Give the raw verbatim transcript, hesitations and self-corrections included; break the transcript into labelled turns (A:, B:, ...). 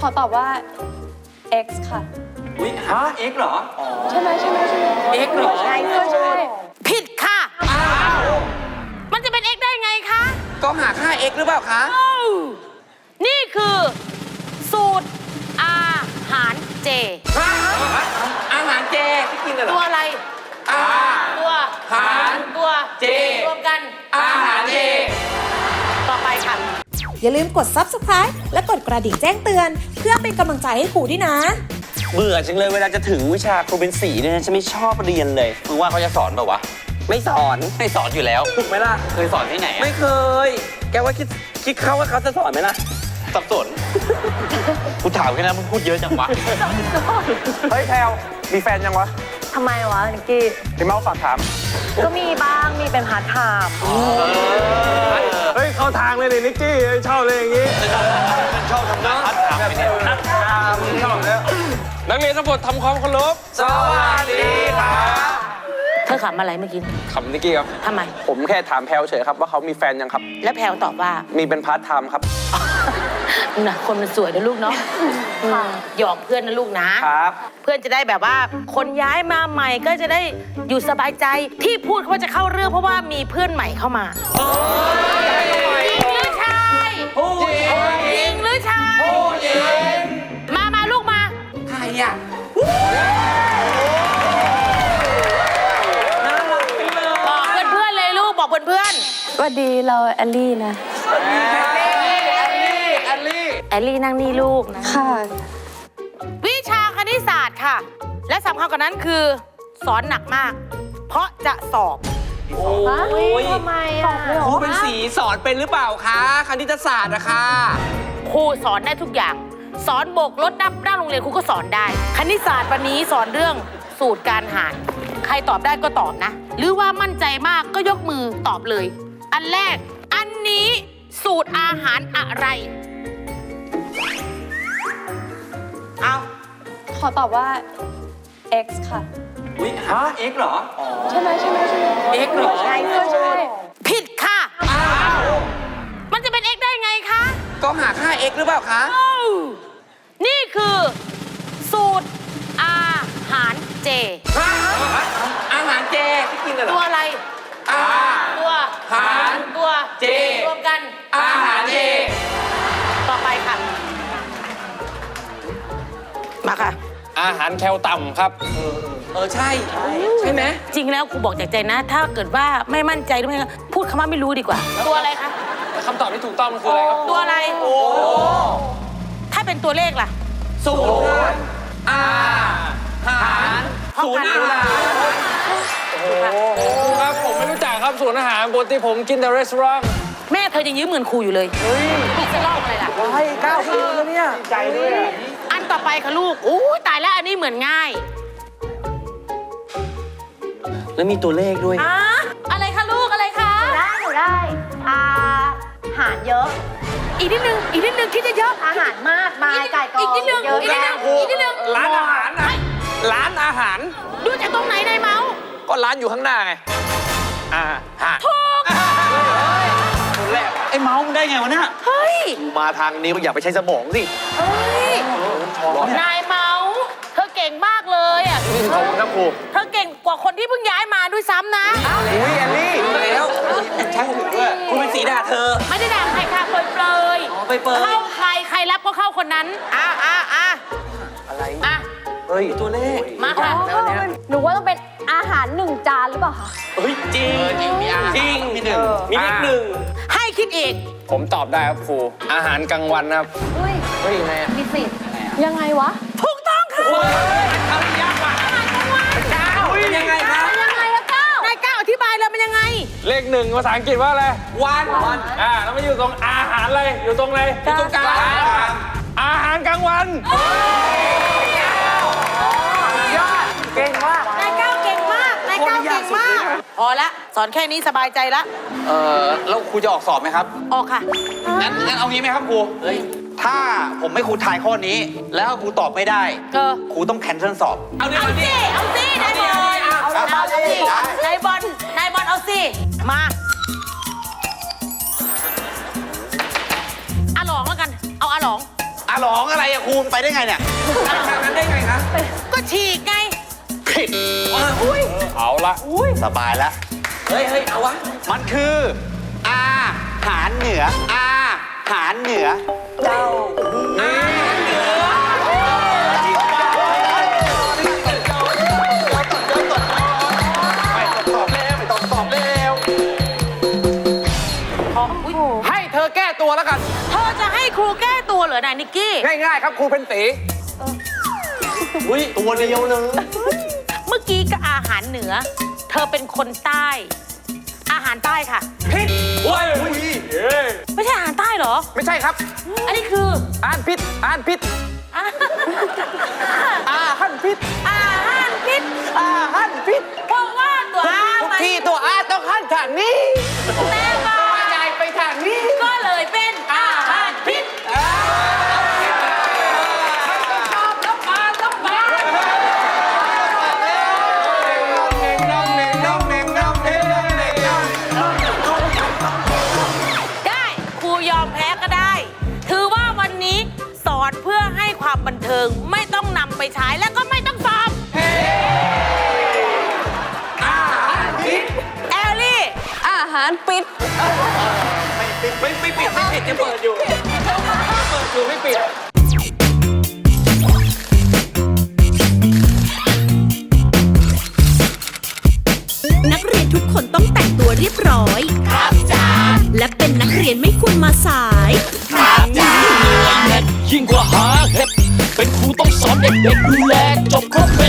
A: ขอตอบว่า X ค่ะ
B: อุ้ยฮะ X เหรอ
A: ใช่ไหมใช่ไหมใช่ไหม
B: X เหรอ
A: ใช่ใช่
C: ผิดค่ะ
B: อ้าว
C: มันจะเป็น x ได้ไงคะ
B: ก็หาค่า X หรือเปล่าคะ
C: อ้าวนี่คือสูตรอาหารเจ
B: อาหารเจที่กินกันเหร
C: ตั
B: อ
C: วอะไร
B: อา
C: ตัว
B: หาร
C: ตัว
B: เจ
C: รวมกัน
B: อาหารเจ
C: ต่อไปค่ะ
D: อย่าลืมกด ซับสไครบ์ และกดกระดิ่งแจ้งเตือน เพื่อเป็นกำลังใจให้ครูด้วยนะ
E: เบื่อจังเลยเวลาจะถึงวิชาครูเป็นสีเนี่ยฉันไม่ชอบเรียนเลยมึงว่าเขาจะสอนเปล่าวะ ไม่สอนไม่สอนอยู่แล้ว
B: ถูกไหมล่ะ
E: เคยสอนที่ไหนอะ
B: ไม่เคย แกว่าคิดคิดเขาว่าเขาจะสอนไหมล่ะ
E: สับสน กูถามแค่นั้นมึงพูดเยอะจังวะ
F: เฮ้ยแพลวมีแฟนยังวะ
A: ทำไมวะนิกกี้
F: พี่เมาส์ฝากถาม
A: ก็มีบ้างมีเป็นพาร์ทไทม์
F: เฮ้ย เข้าทางเลยนี่นิกกี้เฮ้ยชอบเลยอย่างงี้
E: มันชอบทำงานพัดถามไปเนี่ย
F: ชอบแล้ว
G: นักเรียนทั้งหมดทำความเคารพ
B: สวัสดีครับ
C: เธอขำอะไรเมื่อกี้
F: คำนิกกี้ครับ
C: ทำไม
F: ผมแค่ถามแพลวเฉยครับว่าเขามีแฟนยังครับ
C: แล้วแพลวตอบว่า
F: มีเป็นพาร์ทไทม์ครับ
C: น่ะคนมันสวยนะลูกเนาะหยอกเพื่อนนะลูกนะ
F: ครับ
C: เพื่อนจะได้แบบว่าคนย้ายมาใหม่ก็จะได้อยู่สบายใจที่พูดว่าจะเข้าเรื่องเพราะว่ามีเพื่อนใหม่เข้ามาหญิงหรือชายหญิงหรือชายมามาลูกมา
B: ใครอ่ะน่ารักจังเลย
C: บอกเพื่อนๆเลยลูกบอกเพื่อน
A: สวัสดีเราแอลลี่นะ
B: แอลลี่
C: ๆแอลลี่นั่งนี่ลูกนะ
A: ค่ะ
C: วิชาคณิตศาสตร์ค่ะ และสำคัญกว่านั้นคือสอนหนักมาก เพราะจะสอบ
B: โอ้ย
A: ทำไมอ่ะ
B: ครูเป็นสีสอนเป็นหรือเปล่าคะคณิตศาสตร์นะคะ
C: ครูสอนได้ทุกอย่าง สอนโบกรถนับหน้าโรงเรียนครูก็สอนได้ คณิตศาสตร์วันนี้สอนเรื่องสูตรการหาร ใครตอบได้ก็ตอบนะ หรือว่ามั่นใจมากก็ยกมือตอบเลย อันแรก อันนี้สูตรอาหารอะไร เอา
A: ขอตอบว่า X ค่ะ
B: อุ้ยฮะ X เหรอ
A: ใช่ไหมใช่ไหมใช่ไหม
B: X เหรอ
A: ใช่ใช่
C: ผิดค่ะ
B: อ้าว
C: มันจะเป็น x ได้ไงคะ
B: ก็หาค่า X หรือเปล่าคะ
C: อ้าวนี่คือสูตรอาหารเจ
B: อาหารเจที่กินกันเหร
C: ตัว
B: อ
C: อะไร
B: อา
C: ตัว
B: หาร
C: ตัว
B: เจ
C: รวมกัน
B: อาหารเจ
C: ต่อไปค่ะ มาค่ะ
G: อาหารแคลต่ำครับ
B: เออ ใช่ ใช่ไหม
C: จริงแล้วครูบอกจากใจนะ ถ้าเกิดว่าไม่มั่นใจหรือไม่พูดคำว่าไม่รู้ดีกว่า ตัวอะไรคะ
G: คำตอบที่ถูกต้องมันคืออะไรครับ
C: ตัวอะไร ถ้าเป็นตัวเลขล่ะ
B: ศูนย์อาหาร
C: ศูนย์อาหาร
G: ครับผมไม่รู้จักครับส่วนอาหารปกติผมกินแต่รีสอร์ท
C: แม่เธอยังยืมเงินครูอยู่เลยนี่จะเล่าอะไรล่ะ
F: ให้เก้าคืนแล้วเนี่ย ใจด้วย
C: อันต่อไปค่ะลูกอู้ตายแล้วอันนี้เหมือนง่าย
E: แล้วมีตัวเลขด้วย
C: อ่ะอะไรคะลูกอะไรคะ
A: ได้หนูได้อาหารเยอะ
C: อีกนิดนึงอีกนิดนึงคิดเยอะ
A: อาหารมากมายไก่กอง
C: อีกนิดนึง
A: เยอะ
C: อีกนิด
A: แยะ
C: นึงอีกนิดนึง
F: ร้านอาหารนะร้านอาหาร
C: ดูจากตรงไหนนายเมาส์
F: ก็ร้านอยู่ข้างหน้าไง อ่าหาร
C: ถูก
F: คนแรก
E: ไอ้เมาส์มึงได้ไงวะเนี่ย
C: เฮ้ย
F: มาทางนี้ก็อย่าไปใช้สมองสิ
C: เฮ้ยนายเมาส์เธอเก่งมากเลยอ่ะ
F: ขอบคุณครับครู
C: เธอเก่งกว่าคนที่เพิ่งย้ายมาด้วยซ้ำนะ
F: อุ้ยแอลลี่
B: แล้วช่างถึงด้วยคุณเป็นสีด่าเธอ
C: ไม่ได้ด่าใครค่ะเปรยเปรย
B: อ๋อเปรยๆ
C: เข้าใครใครรับก็เข้าคนนั้นอ่ะอ่ะอ่ะ
F: อะไร
C: อ่ะ
F: เฮ้ย
B: ตัวเลข
C: มาค่ะ
A: หนูว่าต้องเป็นอาหารหนึ่งจานหรือเปล่าคะ
B: เฮ้ย จริง จริง มีอาหาร
E: จริงมีหนึ่ง
B: มีเลขหนึ่ง
C: ให้คิดอีก
G: ผมตอบได้ครับครู อาหารกลางวันครับ
A: เฮ้ย
F: เฮ้ยยังไงอะ
A: มีสิทธิ์ยังไงวะ
C: ถูกต้องค่ะ
B: ทำยากกว่าเจ้าเป็นยังไงคะ
A: ยังไงอะเก้าน
C: ายก้าวอธิบายเลยมันยังไง
G: เลขหนึ่งภาษาอังกฤษว่าอะไร
B: วันวัน
G: อ่าแล้วมันอยู่ตรงอาหารอะไร อยู่ตรงไหน
B: อยู่ตรงกลาง
G: อาหารกลางวัน
F: เก่งมาก
C: นายก้าวเก่งมาก นายก้าวเก่งมาก พอละ สอนแค่นี้สบายใจละ
E: เออแล้วครูจะออกสอบไหมครับ
C: ออกค่ะ
E: งั้นงั้นเอางี้ไหมครับครูถ้าผมไม่ครูทายข้อนี้ แล้วครูตอบไม่ได้
C: เออ
E: ครูต้องแคนเซิลสอบ
B: เอาดิ
C: เอา
B: เอาดิ
C: สิ เอาสิ นายบอล เอาสินายบอล นายบอลเอาสิ มาอาหลองแล้วกัน เอาอาหลอง
B: อ่ะร้องอะไรอะครูไปได้ไงเนี่ยทางนั้นได้ไงคะ
C: ก็ฉีกไง
B: ผิด
G: เอาละ
B: สบายแล้ว
E: เฮ้ยเฮ้ยเอาวะ
B: มันคืออาหารเหนืออาหารเหนือ
A: เจ้า
B: ตอบเร็วไม่ต้องตอบเร็ว
G: ให้เธอแก้ตัวแล้วกัน
C: เธอจะให้ครูแก้ตัวเหรอนายนิกกี้
G: ง่ายๆครับครูเป็นตี
E: อุ้ยตัวเดียวเลย
C: เมื่อกี้ก็อาหารเหนือ เธอเป็นคนใต้ อาหารใต้ค่ะ
G: พิษโอ้ยเอ้ย
C: ไม่ใช่อาหารใต้เหรอ
G: ไม่ใช่ครับ
C: อันนี้คือ
G: อ่านพิษอ่านพิษ
C: อา
G: อาหันพิษ
C: อาหารพิษ
G: อาหันพิษ
C: เพราะว่าตัวอา
G: ทุก
C: มัน
G: ที่ตัวอาต้องหันทางนี้
C: แต่ว่า
G: ใหญ่ไปทางนี้
C: ก็เลยเป็นอาหารพิษ ได้ครูยอมแพ้ก็ได้ ถือว่าวันนี้สอนเพื่อให้ความบันเทิงไม่ต้องนำไปใช้และก็ไม่ต้องสอบแอลลี่
A: อาหารปิด
G: ไม่ไม่ปิดไม่ปิดจะเปิดอยู่ เปิดอยู่ไม่ปิด
H: นักเรียนทุกคนต้องแต่งตัวเรียบร้อย ครับจ้าและเป็นนักเรียนไม่ควรมาสาย
I: ยิ่งกว่าหาเห็ดเป็นครูต้องสอนเด็กๆดูแลจบครบ